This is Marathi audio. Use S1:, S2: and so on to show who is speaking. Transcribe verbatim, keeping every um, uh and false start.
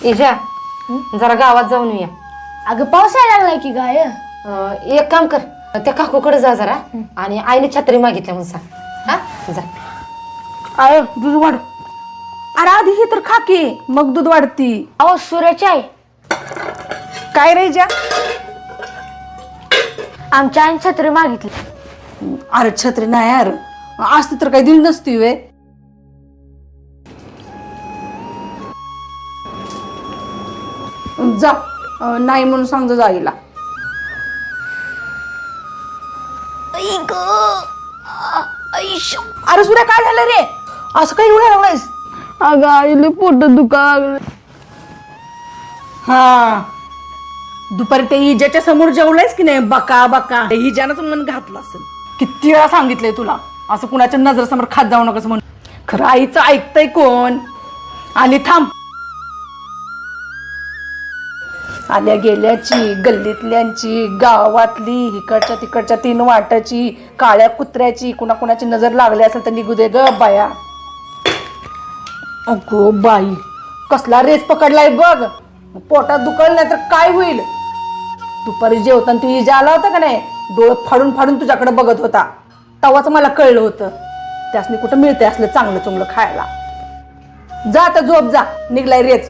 S1: इजा जरा गावात जाऊन येऊया.
S2: अगं पाऊस यायला लागलाय की गाय.
S1: अं, एक काम कर, त्या काकूकडे जा जरा आणि आईने छत्री मागितल्या म्हणून सांग. हा जा.
S3: आय दूध वाढ. अरे आधी हे तर खा की मग दूध वाढती.
S2: अहो सूर्याची आई,
S3: काय रे जा.
S2: आमच्या आईने छत्री मागितली.
S3: अरे छत्री नाही यार, असती तर काही दिली नसती वे. जा अं, नाही म्हणून सांग जा आईला. अरे सूर्या काय झालं रे, असं काही एवढं लागलायस.
S2: अगं आईले पोट दुखा लागलं.
S3: हा दुपारी ते हिजाच्या समोर जेवलायस की नाही, बका बका हिजानच मन घातलं असेल. किती वेळा सांगितलंय तुला असं कुणाच्या नजरेसमोर खात जाऊ नकोस म्हणून. खरं आईचं ऐकतंय कोण. आली थांब. आल्या गेल्याची, गल्लीतल्यांची, गावातली, इकडच्या तिकडच्या तीन वाटाची, काळ्या कुत्र्याची, कुणा कुणाची नजर लागली असेल तर निघू दे ग बाया. अगो बाई कसला रेस पकडलाय बघ. पोटात दुखल नाही तर काय होईल. दुपारी जेवताना तू इजा आला होता का नाही, डोळे फाडून फाडून तुझ्याकडे बघत होता. तेव्हाच मला कळलं होतं त्यासनी कुठं मिळते असलं चांगलं चुंगलं खायला. जा आता झोप जा, निघलाय रेच.